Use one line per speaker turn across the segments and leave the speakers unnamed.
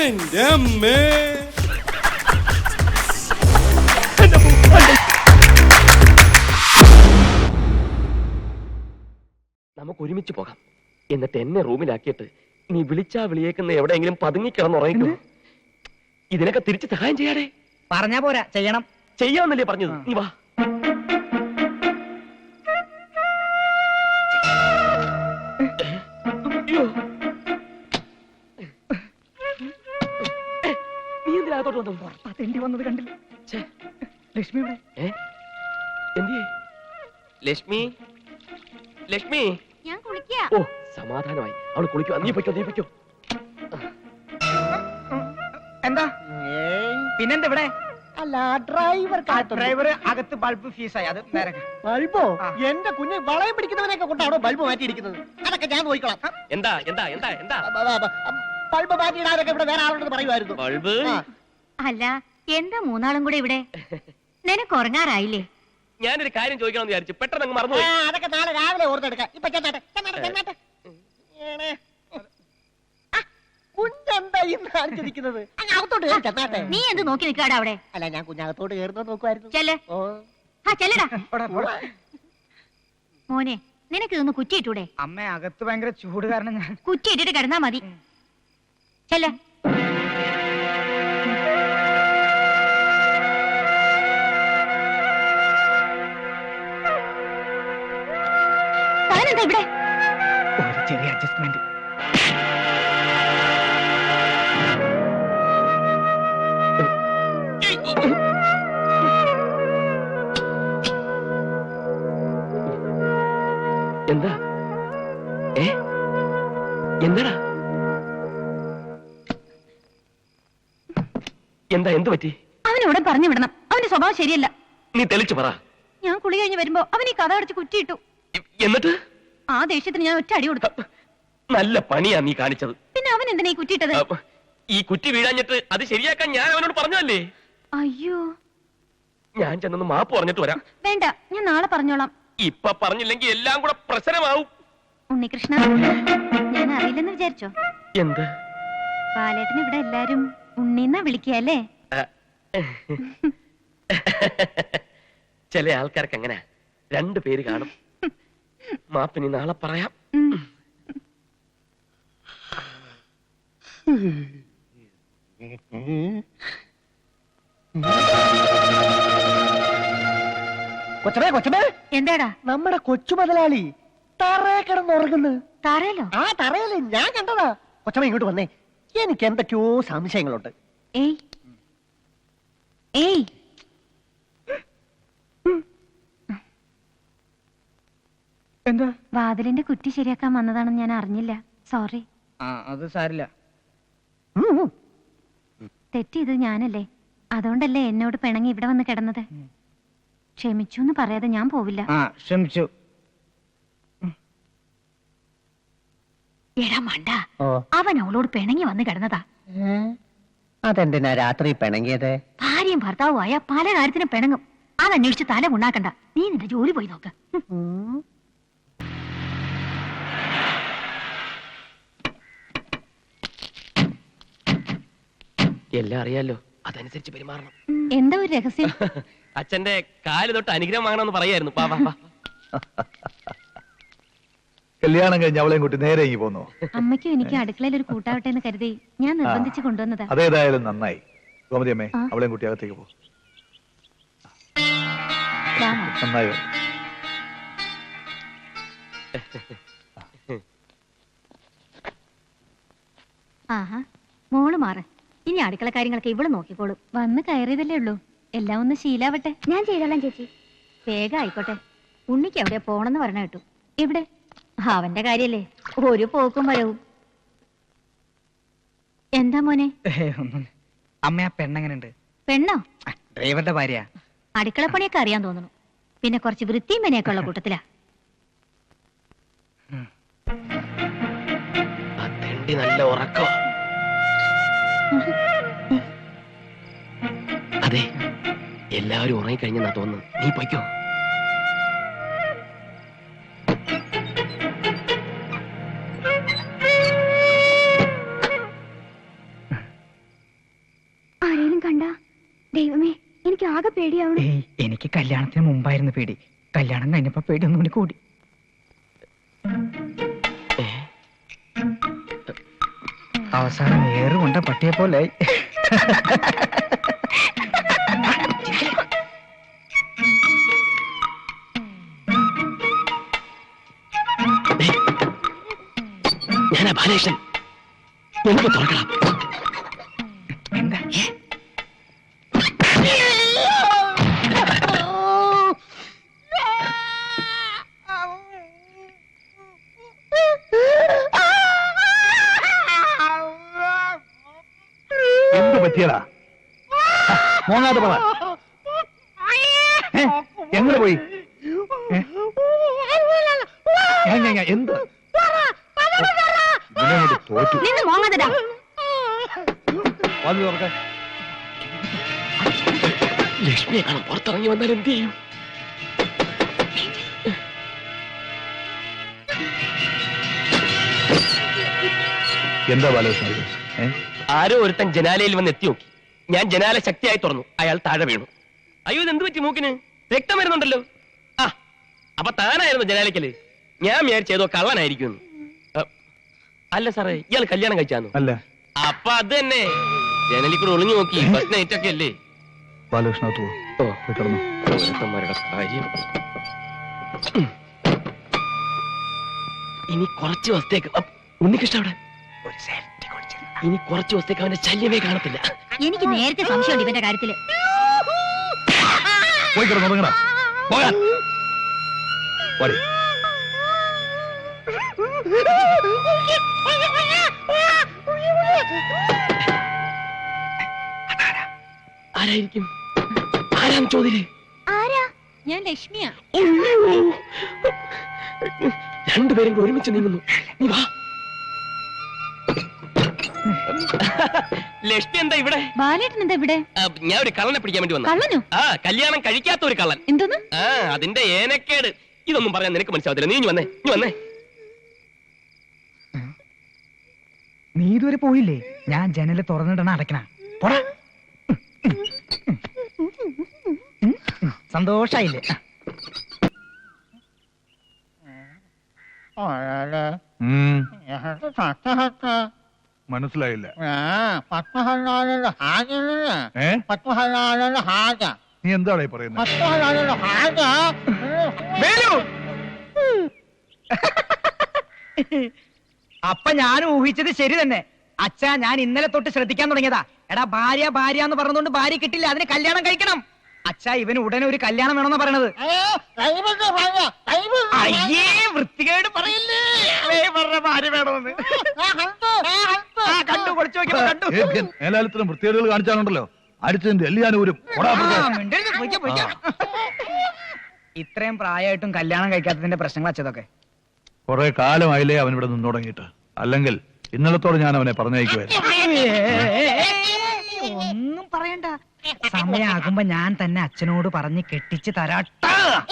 എന്റെ അമ്മേ.
നമുക്ക് ഒരുമിച്ച് പോകാം. എന്നിട്ട് എന്നെ റൂമിലാക്കിയിട്ട് നീ വിളിച്ചാ വിളിയേക്കുന്ന എവിടെയെങ്കിലും പതുങ്ങിക്കിടന്നുറങ്ങിക്കോ. ഇതിനൊക്കെ തിരിച്ച് സഹായം ചെയ്യാടേ.
പറഞ്ഞാ പോരാ, ചെയ്യണം.
ചെയ്യാന്നല്ലേ പറഞ്ഞത്? നീ വാ. നീ എന്തിനകത്തോട്ട് വന്നു?
തെണ്ടി വന്നത് കണ്ടില്ല. ലക്ഷ്മി
എന്തിയേ? ലക്ഷ്മി, ലക്ഷ്മി.
ഞാൻ കുളിക്കാ.
ഓ, സമാധാനമായി. അവള് കുളിക്കോ. നീ പൊയ്ക്കോ, നീ പൊയ്ക്കോ.
എന്താ പിന്നെന്താ ഇവിടെ?
അല്ല, ഡ്രൈവർ
അകത്ത് ബൾബ് ഫീസായി. അത് നേരെ
ബൾബോ? എന്റെ കുഞ്ഞ് വളയം പിടിക്കുന്നവനെയൊക്കെ കൊണ്ടാണോ ബൾബ് മാറ്റിയിരിക്കുന്നത്? അതൊക്കെ ഞാൻ നോക്കിക്കോളാം.
എന്താ എന്താ എന്താ എന്താ
ബൾബ് മാറ്റിയിടാനൊക്കെ ഇവിടെ വേറെ ആളുണ്ടെന്ന് പറയുമായിരുന്നു.
ബൾബ്?
അല്ല, എന്താ മൂന്നാളും കൂടെ ഇവിടെ? നിനക്ക് ഉറങ്ങാറായില്ലേ?
ഞാനൊരു കാര്യം ചോദിക്കണമെന്ന് വിചാരിച്ചു, പെട്ടെന്ന് അങ്ങ് മറന്നു.
അതൊക്കെ നാളെ രാവിലെ ഓർത്തെടുക്കാം. ഇപ്പൊ ചെന്നാട്ടെ. കുഞ്ഞെന്താ ഇന്ന് കാണിച്ചിരിക്കുന്നത്? അകത്തോട്ട് കയറി ചെന്നാട്ടെ.
നീ എന്ത് നോക്കി നിൽക്കാടാ അവിടെ?
അല്ല, ഞാൻ കുഞ്ഞകത്തോട്ട് കയറുന്നത് നോക്കുമായിരുന്നു.
ചെല്ലേ. ചെല്ലടാ മോനെ. നിനക്ക് ഇതൊന്ന് കുറ്റിയിട്ടൂടെ?
അമ്മ അകത്ത് ഭയങ്കര ചൂട് കാരണം ഞാൻ
കുറ്റിയിട്ടിട്ട് കിടന്നാ മതി. ചെല്ലേ. താനെന്താ ഇവിടെ?
ഒരു ചെറിയ അഡ്ജസ്റ്റ്മെന്റ്.
എന്താ? എന്താടാ? എന്താ? എന്ത് പറ്റി?
അവനോട് പറഞ്ഞു വിടണം. അവന്റെ സ്വഭാവം ശരിയല്ല.
നീ തെളിച്ചു പറ.
ഞാൻ കുളി കഴിഞ്ഞ് വരുമ്പോ അവൻ ഈ കഥ അടച്ച് കുറ്റിയിട്ടു.
എന്നിട്ട്
ആ ദേഷ്യത്തിന് ഞാൻ ഒറ്റ അടി കൊടുത്തു.
നല്ല പണിയാ നീ കാണിച്ചത്.
പിന്നെ അവൻ എന്തിനാ ഈ കുറ്റിയിട്ടത്?
ഈ കുറ്റി വീഴാഞ്ഞിട്ട് അത് ശരിയാക്കാൻ ഞാൻ അവനോട് പറഞ്ഞതല്ലേ?
അയ്യോ,
ഞാൻ ചെന്നൊന്ന് മാപ്പ് പറഞ്ഞിട്ട് വരാം.
വേണ്ട, ഞാൻ നാളെ പറഞ്ഞോളാം.
ഇപ്പൊ പറഞ്ഞില്ലെങ്കിൽ എല്ലാം കൂടെ പ്രശ്നമാവും.
ഉണ്ണികൃഷ്ണ, ഞാൻ അറിയില്ലെന്ന് വിചാരിച്ചോ?
എന്ത്?
ബാലേട്ടന് ഇവിടെ എല്ലാരും ഉണ്ണിന്നാ വിളിക്കല്ലേ?
ചില ആൾക്കാർക്ക് അങ്ങനെ രണ്ടു പേര് കാണും. മാപ്പിനി നാളെ പറയാം.
കൊച്ചമേ,
എന്താടാ?
നമ്മുടെ കൊച്ചു മുതലാളി തറയെ കിടന്നുറങ്ങുന്നു.
താരല്ലോ?
ആ തറയല്ലേ, ഞാൻ കണ്ടതാ. കൊച്ചമ്മ ഇങ്ങോട്ട് വന്നേ. എനിക്ക് എന്തൊക്കെയോ സംശയങ്ങളുണ്ട്.
ഏയ് ഏയ്,
എന്താ?
വാതിലിന്റെ കുറ്റി ശരിയാക്കാൻ വന്നതാണെന്ന് ഞാൻ അറിഞ്ഞില്ല. സോറി.
അത് സാരില്ല.
തെറ്റിയത് ഞാനല്ലേ. അതുകൊണ്ടല്ലേ എന്നോട് പിണങ്ങി ഇവിടെ വന്ന് കിടന്നത്. ക്ഷമിച്ചു എന്ന് പറയാതെ ഞാൻ പോവില്ല.
ക്ഷമിച്ചു.
എടാ മണ്ട, അവൻ അവളോട് പിണങ്ങി വന്ന് കിടന്നതാ.
അതെന്തിനാ രാത്രി പിണങ്ങിയത്?
ഭാര്യയും ഭർത്താവുമായ പല കാര്യത്തിനും പിണങ്ങും. അതന്വേഷിച്ച് തല ഉണ്ടാക്കണ്ട. നീ നിന്റെ ജോലി പോയി നോക്ക്.
എല്ലാം അറിയാലോ, അതനുസരിച്ച് പെരുമാറണം.
എന്താ ഒരു രഹസ്യം?
അച്ഛന്റെ കാല് തൊട്ട് അനുഗ്രഹം വാങ്ങണമെന്ന് പറയായിരുന്നു. പാ, പാ, പാ.
കല്യാണം കഴിഞ്ഞ് അവളെയും കൂട്ടി നേരെ ഇങ്ങി പോന്നു.
അമ്മയ്ക്കും എനിക്ക് അടുക്കളയിൽ ഒരു കൂട്ടാവട്ടെ എന്ന് കരുതി ഞാൻ നിർബന്ധിച്ച് കൊണ്ടുവന്നതാ.
അതേതായാലും നന്നായി. ഗോമതി അമ്മേ, അവളെയും കൂട്ടി അകത്തേക്ക് പോ. നന്നായി വരും.
ആഹാ, മോള് മാറ്. ഇനി അടുക്കള കാര്യങ്ങളൊക്കെ ഇവള് നോക്കിക്കോളൂ. വന്ന് കയറിയതല്ലേ ഉള്ളൂ. എല്ലാം ഒന്ന് ശീലാവട്ടെ. ഞാൻ ചെയ്തോളാം ചേച്ചി. വേഗം ആയിക്കോട്ടെ. ഉണ്ണിക്ക് എവിടെയാ പോണെന്ന് പറഞ്ഞ കേട്ടു. എവിടെ? അവന്റെ കാര്യല്ലേ, ഒരു പോക്കും വരവും. എന്താ മോനെ?
അമ്മ ആ പെണ്ണെങ്ങനുണ്ട്?
പെണ്ണോ?
ഡ്രൈവറുടെ ഭാര്യ.
അടുക്കളപ്പണിയൊക്കെ അറിയാൻ തോന്നുന്നു. പിന്നെ കുറച്ച് വൃത്തിയും പനിയൊക്കെ ഉള്ള കൂട്ടത്തിലാ.
നല്ല ഉറക്കോ? അതെ, എല്ലാവരും ഉറങ്ങിക്കഴിഞ്ഞെന്നാ തോന്നുന്നു. നീ പൊയ്ക്കോ.
കണ്ട ദൈവമേ എനിക്ക് ആകെ പേടിയാവണം.
ഏയ് എനിക്ക് കല്യാണത്തിന് മുമ്പായിരുന്നു പേടി. കല്യാണം കഴിഞ്ഞപ്പോ പേടി ഒന്നും കൂടി കൂടി. അവസാനം ഏറുകൊണ്ട പട്ടിയെ പോലെ
ഞാനാ ബാലകൃഷ്ണൻ. നമുക്ക് തുറക്കണം.
എന്താ
എന്ത് പറ്റിയടാ? മോങ്ങാതെ പറ. എങ്ങനെ പോയി? എന്ത് തോറ്റു?
നിന്ന് മോങ്ങാതെടാ.
വാതിൽ തുറക്കാൻ.
ലക്ഷ്മിയെ കാണാൻ പുറത്തിറങ്ങി വന്നാൽ എന്ത് ചെയ്യും?
എന്താ ബാലകൃഷ്ണൻ?
ആരോ ഒരുത്തൻ ജനാലയിൽ വന്ന് എത്തി നോക്കി. ഞാൻ ജനാല ശക്തിയായി തുറന്നു. അയാൾ താഴെ വീണു. അയ്യോ ഇതെന്ത് പറ്റി? മൂക്കിന് രക്തം വരുന്നുണ്ടല്ലോ. ആ അപ്പൊ താനായിരുന്നു ജനാലയ്ക്കല്. ഞാൻ വിചാരിച്ചേതോ കള്ളനായിരിക്കും. അല്ല സാറേ, ഇയാൾ കല്യാണം കഴിച്ചാന്നു?
അല്ല.
അപ്പൊ അത് തന്നെ, ജനലിൽ കൂടെ ഒളിഞ്ഞു നോക്കി. ഫസ്റ്റ് നൈറ്റ് ഒക്കെ അല്ലേ?
ബാലകൃഷ്ണ കിടന്നു.
ഓരോരുത്തന്മാരുടെ കാര്യം. ഇനി കുറച്ച് ദിവസത്തേക്ക് ഉണ്ണികൃഷ്ണ അവിടെ ഇനി കുറച്ച് ദിവസത്തേക്ക് അവന്റെ ശല്യമേ കാണത്തില്ല.
എനിക്ക് നേരത്തെ സംശയമുണ്ട് ഇവന്റെ കാര്യത്തില്.
പോയി കിടന്നുറങ്ങടാ. പോകാൻ പോരെ.
ആരായിരിക്കും? ആരാന്ന് ചോദ്യല്ലേ?
ആരാ? ഞാൻ ലക്ഷ്മിയാ.
രണ്ടുപേരും കൂടി ഒരുമിച്ച് നീങ്ങുന്നു. നീ വാ. ലക്ഷ്മി എന്താ ഇവിടെ?
ബാലേട്ടൻ എന്താ ഇവിടെ?
ഞാൻ ഒരു കള്ളനെ പിടിക്കാൻ വേണ്ടി വന്നു.
കള്ളനോ?
ആ, കല്യാണം കഴിക്കാത്ത ഒരു കള്ളൻ.
എന്തോന്ന്?
ആ, അതിന്റെ ഏനക്കേട്. ഇതൊന്നും പറയാൻ നിനക്ക് മനസ്സിലാവത്തില്ല. നീ വന്നേ, നീ വന്നേ.
നീ ഇതുവരെ പോയില്ലേ? ഞാൻ ജനല് തുറന്നിടണ അടയ്ക്കണ. പോടാ. സന്തോഷായില്ലേ?
മനസ്സിലായില്ല. നീ എന്താണ് പറയുന്നത്?
അപ്പൊ ഞാൻ ഊഹിച്ചത് ശരി തന്നെ. അച്ഛാ, ഞാൻ ഇന്നലെ തൊട്ട് ശ്രദ്ധിക്കാൻ തുടങ്ങിയതാ. എടാ, ഭാര്യ ഭാര്യ എന്ന് പറഞ്ഞുകൊണ്ട് ഭാര്യ കിട്ടില്ല, അതിന് കല്യാണം കഴിക്കണം. അച്ഛാ, ഇവന് ഉടനെ ഒരു കല്യാണം വേണമെന്നാ പറയണത്. അയ്യേ, വൃത്തികേട് പറയില്ലേ. ഭാര്യ വേണമെന്ന് കണ്ടു, പൊളിച്ചു നോക്കിയപ്പോ കണ്ടു.
മേലാലത്തിലും വൃത്തികേടുകൾ കാണിച്ചാലുണ്ടല്ലോ അടിച്ചതിന്റെ എല്ലാവരും.
ഇത്രയും പ്രായമായിട്ടും കല്യാണം കഴിക്കാത്തതിന്റെ പ്രശ്നങ്ങൾ അച്ഛതൊക്കെ.
കുറെ കാലമായില്ലേ അവൻ ഇവിടെ നിന്ന് തുടങ്ങിയിട്ട്. അല്ലെങ്കിൽ ഇന്നലത്തോടെ ഞാൻ അവനെ പറഞ്ഞയക്കുമായിരുന്നു.
ഒന്നും പറയണ്ട. സമയാകുമ്പോ ഞാൻ തന്നെ അച്ഛനോട് പറഞ്ഞ് കെട്ടിച്ച് തരാട്ട.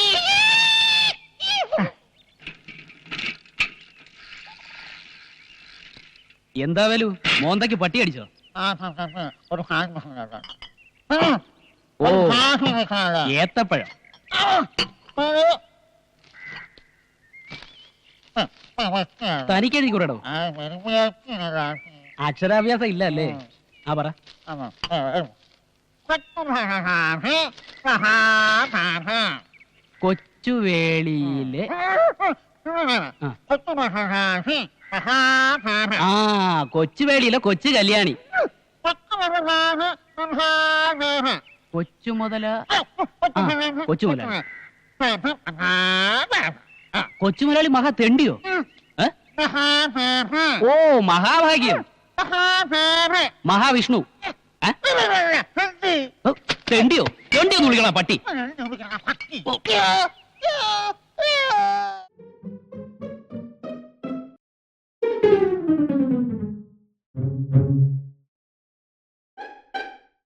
എന്താ വേലു, മോന്തയ്ക്ക് പട്ടി അടിച്ചോ? ഓ, ഏത്തപ്പഴം. തനിക്കെഴുതി കൂടോ? അക്ഷരാഭ്യാസം ഇല്ല അല്ലേ? ആ പറ. കൊച്ചുവേളിയിലെ കൊച്ചുവേളിയിലെ കൊച്ചു കല്യാണി. കൊച്ചുമുതല കൊച്ചുമുതലാളി. കൊച്ചുമുതലാളി മഹാ തെണ്ടിയോ? ഓ, മഹാഭാഗ്യം. മഹാവിഷ്ണു. തെണ്ടിയോ? തെണ്ടിയൊന്ന് വിളിക്കണ പട്ടി.